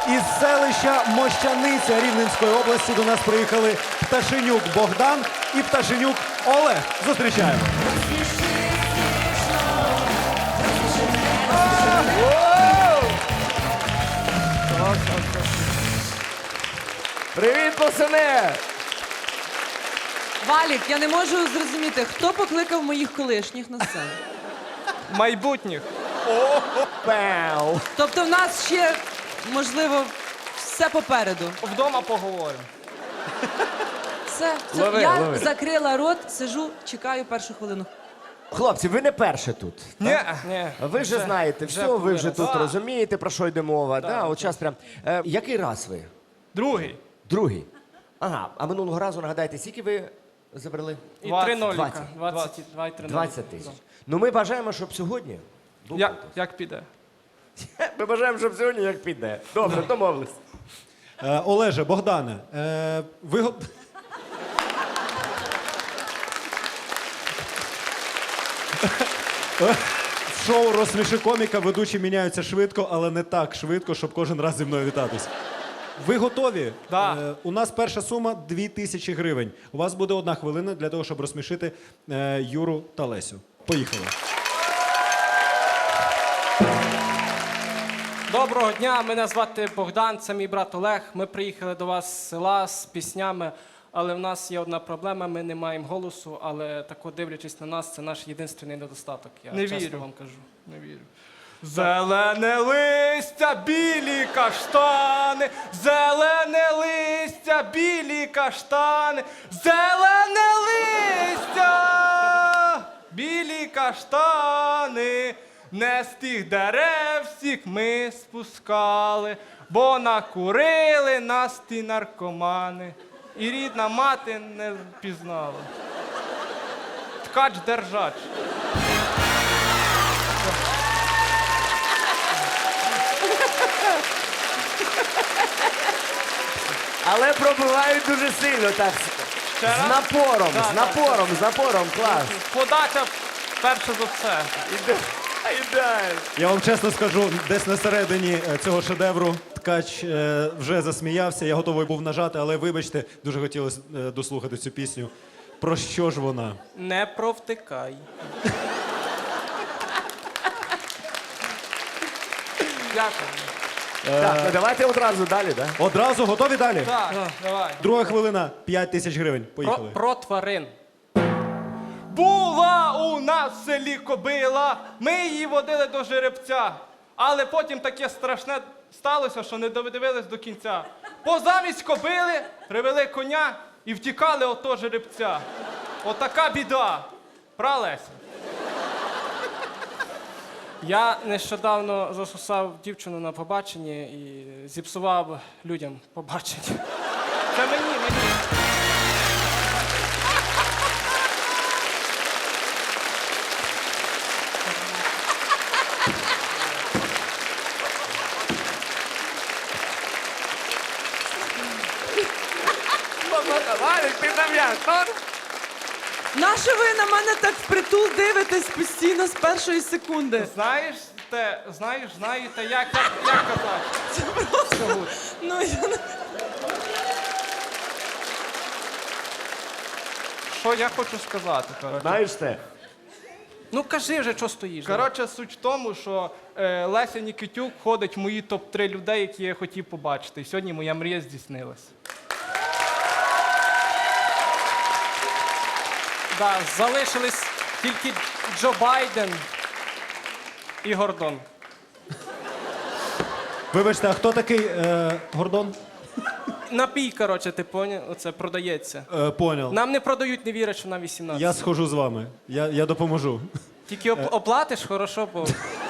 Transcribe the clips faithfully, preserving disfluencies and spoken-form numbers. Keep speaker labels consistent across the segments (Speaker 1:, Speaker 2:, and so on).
Speaker 1: Із селища Мощаниця Рівненської області до нас приїхали Пташенюк Богдан і Пташенюк Олег. Зустрічаємо.
Speaker 2: Привіт, пацани!
Speaker 3: Валік, я не можу зрозуміти, хто покликав моїх колишніх на сцену.
Speaker 4: Майбутніх.
Speaker 2: Пау!
Speaker 3: Тобто в нас ще, можливо, все попереду.
Speaker 4: Вдома поговоримо.
Speaker 3: Все, все.
Speaker 2: Лови,
Speaker 3: я
Speaker 2: лови.
Speaker 3: закрила рот, сижу, чекаю першу хвилину.
Speaker 2: Хлопці, ви не перші тут.
Speaker 4: Ні, ні.
Speaker 2: Ви вже знаєте все, ви вже тут розумієте, про що йде мова. Да, от час прям. Е, який раз ви?
Speaker 4: Другий.
Speaker 2: Другий. Ага, а минулого разу, нагадайте, скільки ви забрали?
Speaker 4: І Двадцять. три ноліка.
Speaker 2: Двадцять.
Speaker 4: Двадцять. Два і три
Speaker 2: двадцять тисяч. Ну ми бажаємо, щоб сьогодні був
Speaker 4: Як,
Speaker 2: конкурс.
Speaker 4: як піде?
Speaker 2: Ми бажаємо, щоб сьогодні як піде. Добре, домовились.
Speaker 1: Е, Олеже, Богдане, е, ви... го- В шоу «Розсміши коміка» ведучі міняються швидко, але не так швидко, щоб кожен раз зі мною вітатись. Ви готові?
Speaker 4: Да.
Speaker 1: Е, у нас перша сума – дві тисячі гривень. У вас буде одна хвилина для того, щоб розсмішити е, Юру та Лесю. Поїхали.
Speaker 4: Доброго дня, мене звати Богдан, це мій брат Олег. Ми приїхали до вас з села з піснями, але в нас є одна проблема, ми не маємо голосу, але тако дивлячись на нас, це наш єдиний недостаток. Я
Speaker 5: Не
Speaker 4: чесно
Speaker 5: вірю.
Speaker 4: вам кажу. Не вірю.
Speaker 5: Зелене листя, білі каштани, зелене листя, білі каштани, зелене листя, білі каштани, не з тих дерев всіх ми спускали, бо накурили нас ті наркомани, і рідна мати не впізнала. Ткач-держач.
Speaker 2: Але пробивають дуже сильно, так.
Speaker 5: Ще
Speaker 2: З
Speaker 5: раз?
Speaker 2: напором,
Speaker 5: Да,
Speaker 2: з
Speaker 5: да,
Speaker 2: напором, з напором, клас.
Speaker 5: Подача перше за все.
Speaker 2: Іде- Ідеально.
Speaker 1: Я вам чесно скажу, десь на середині е, цього шедевру ткач е, вже засміявся. Я готовий був нажати, але вибачте, дуже хотілося е, дослухати цю пісню. Про що ж вона?
Speaker 4: Не провтикай.
Speaker 5: Дякую.
Speaker 2: Так, ну давайте одразу далі, да?
Speaker 1: Одразу готові далі?
Speaker 5: Так, давай.
Speaker 1: Друга хвилина, п'ять тисяч гривень.
Speaker 4: Про,
Speaker 1: Поїхали.
Speaker 4: про тварин.
Speaker 5: Була у нас в селі кобила, ми її водили до жеребця. Але потім таке страшне сталося, що не додивились до кінця. Бо замість кобили привели коня і втікали ото жеребця. Отака біда. Пра, Леся?
Speaker 4: Я нещодавно засусав дівчину на побаченні і зіпсував людям побачення.
Speaker 5: Це мені, мені.
Speaker 2: Валік, ти там як?
Speaker 3: Нащо ви на мене так впритул дивитесь постійно з першої секунди?
Speaker 5: Знаєш, те, знаєш, знаєте, як, як, як казати?
Speaker 3: Ну, я не...
Speaker 5: Що я хочу сказати, коротше.
Speaker 2: Знаєш те?
Speaker 4: Ну кажи вже, що стоїш.
Speaker 5: Коротше, суть в тому, що е, Леся Нікітюк входить в мої топ три людей, які я хотів побачити. І сьогодні моя мрія здійснилась.
Speaker 4: Да, залишились тільки Джо Байден і Гордон.
Speaker 1: Вибачте, а хто такий е, Гордон?
Speaker 4: Напій, коротше, ти поняв? Оце продається.
Speaker 1: Е, поняв.
Speaker 4: Нам не продають, не вірять, що нам вісімнадцять.
Speaker 1: Я схожу з вами. Я, я допоможу.
Speaker 4: Тільки оп- оплатиш, хорошо, бо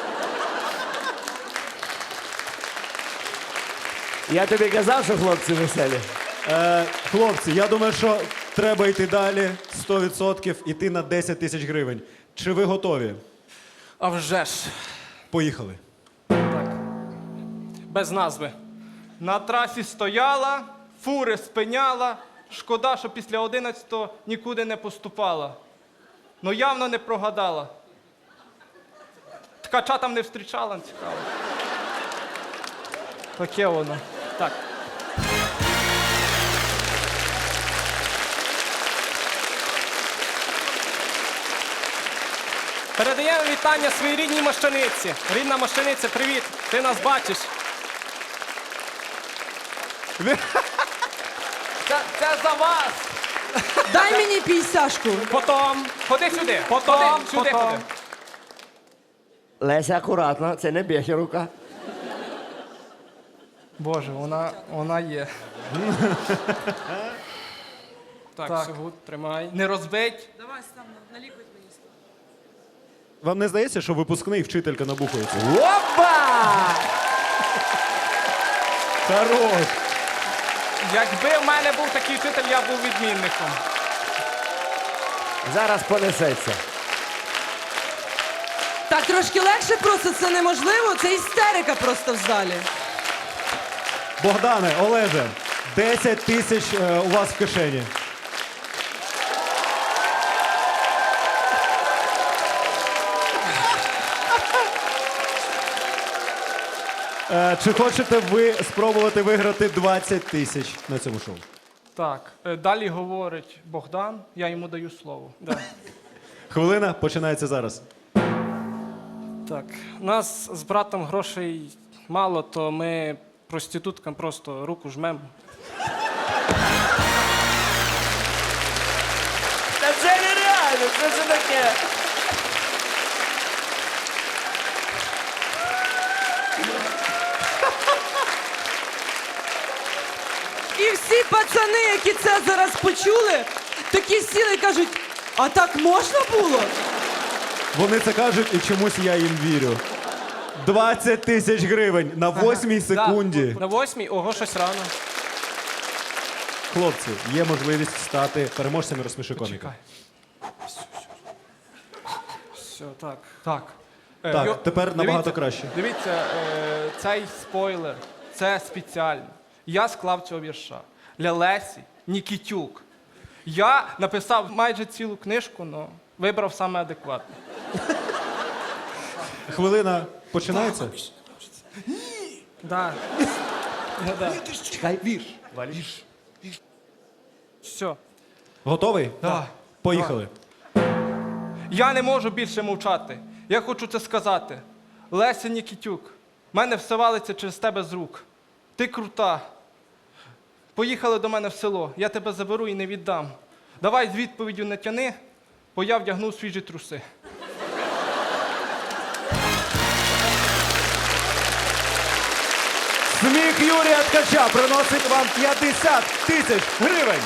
Speaker 2: Я тобі казав, що хлопці веселі.
Speaker 1: Е, хлопці, я думаю, що треба йти далі. сто відсотків іти на десять тисяч гривень. Чи ви готові?
Speaker 4: а вже ж.
Speaker 1: Поїхали.
Speaker 4: Без назви.
Speaker 5: На трасі стояла, фури спиняла. Шкода, що після одинадцятого нікуди не поступала. Ну явно не прогадала. Ткача там не зустрічала, цікаво. Таке воно.
Speaker 4: Так. Передаємо вітання своїй рідній Мощаниці. Рідна Мощаниця, привіт! Ти нас бачиш.
Speaker 5: Це, це за вас.
Speaker 3: Дай мені пійсяшку.
Speaker 4: Потом.
Speaker 5: Ходи сюди.
Speaker 4: Потом,
Speaker 5: Ходи, сюди
Speaker 4: потом.
Speaker 5: ходи.
Speaker 2: Леся, акуратно, це не б'єхі рука.
Speaker 5: Боже, вона, вона є.
Speaker 4: Так,
Speaker 5: Так.
Speaker 4: Сюгут, тримай.
Speaker 5: Не розбить.
Speaker 3: Давай сам налікуй мені.
Speaker 1: Вам не здається, що випускний вчителька набухується?
Speaker 2: Опа!
Speaker 1: Хорош!
Speaker 5: Якби в мене був такий вчитель, я був відмінником.
Speaker 2: Зараз понесеться.
Speaker 3: Так трошки легше просто, це неможливо, це істерика просто в залі.
Speaker 1: Богдане, Олеже, десять тисяч е, у вас в кишені. Е, Чи хочете ви спробувати виграти двадцять тисяч на цьому шоу?
Speaker 5: Так, е, далі говорить Богдан, я йому даю слово.
Speaker 4: Да.
Speaker 1: Хвилина починається зараз.
Speaker 4: Так, у нас з братом грошей мало, то ми проституткам просто руку жмемо.
Speaker 2: Та це нереально, що це таке?
Speaker 3: І всі пацани, які це зараз почули, такі сіли і кажуть, а так можна було?
Speaker 1: Вони це кажуть, і чомусь я їм вірю. двадцять тисяч гривень на восьмій секунді.
Speaker 4: На восьмій, ого, щось рано.
Speaker 1: Хлопці, є можливість стати переможцями розсміши коміка.
Speaker 5: Чекай.
Speaker 4: Все, так.
Speaker 5: Так. Е,
Speaker 1: Так,
Speaker 5: йо-
Speaker 1: тепер набагато
Speaker 5: дивіться,
Speaker 1: краще.
Speaker 5: Дивіться, е, цей спойлер, це спеціально. Я склав цього вірша для Лесі Нікітюк. Я написав майже цілу книжку, але вибрав саме адекватне.
Speaker 1: Хвилина починається?
Speaker 4: Да. Ну, да.
Speaker 2: Чекай, вірш.
Speaker 4: Все.
Speaker 1: Готовий?
Speaker 5: Так.
Speaker 1: Поїхали.
Speaker 5: Я не можу більше мовчати. Я хочу це сказати. Леся Нікітюк, в мене все валиться через тебе з рук. Ти крута. Поїхали до мене в село, я тебе заберу і не віддам. Давай з відповіддю не тяни, бо я вдягну свіжі труси.
Speaker 1: Сміх Юрія Ткача приносить вам п'ятдесят тисяч гривень.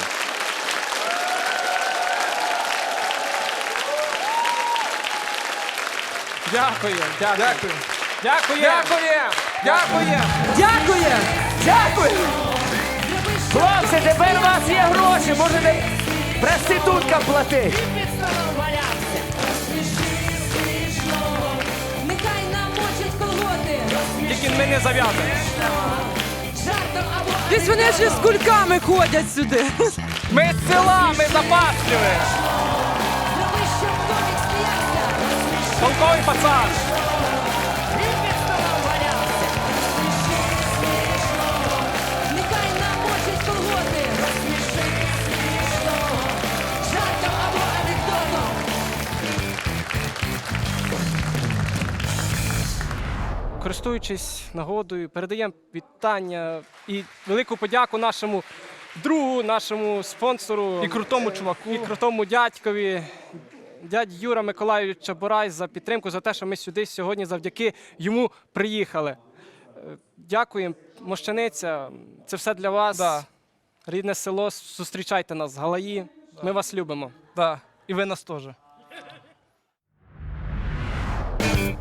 Speaker 4: Дякую. Дякую.
Speaker 5: Дякую.
Speaker 4: Дякую.
Speaker 5: Дякую! Дякую!
Speaker 3: Дякує!
Speaker 2: Дякую! Хлопці, тепер у вас є гроші, можете проституткам платити.
Speaker 6: Нехай намочить колоти
Speaker 4: Тільки ми не зав'язуємо.
Speaker 6: жартом або
Speaker 3: Десь вони ще з кульками ходять сюди.
Speaker 5: Ми з села, ми запасливі!
Speaker 6: зроби, щоб комік сміявся.
Speaker 4: Толковий пацан.
Speaker 6: Він під столом валявся. Нехай намочить колоти. Розсміши смішного. Жартом або анекдотом.
Speaker 4: Користуючись нагодою, передаємо вітання і велику подяку нашому другу, нашому спонсору
Speaker 5: І крутому чуваку.
Speaker 4: і крутому дядькові, дядь Юра Миколайович Чабурай, за підтримку, за те, що ми сюди сьогодні завдяки йому приїхали. Е, Дякуємо, Мощаниця. це все для вас.
Speaker 5: Да.
Speaker 4: Рідне село, зустрічайте нас, Галаї. Ми вас любимо.
Speaker 5: Да. І ви нас теж.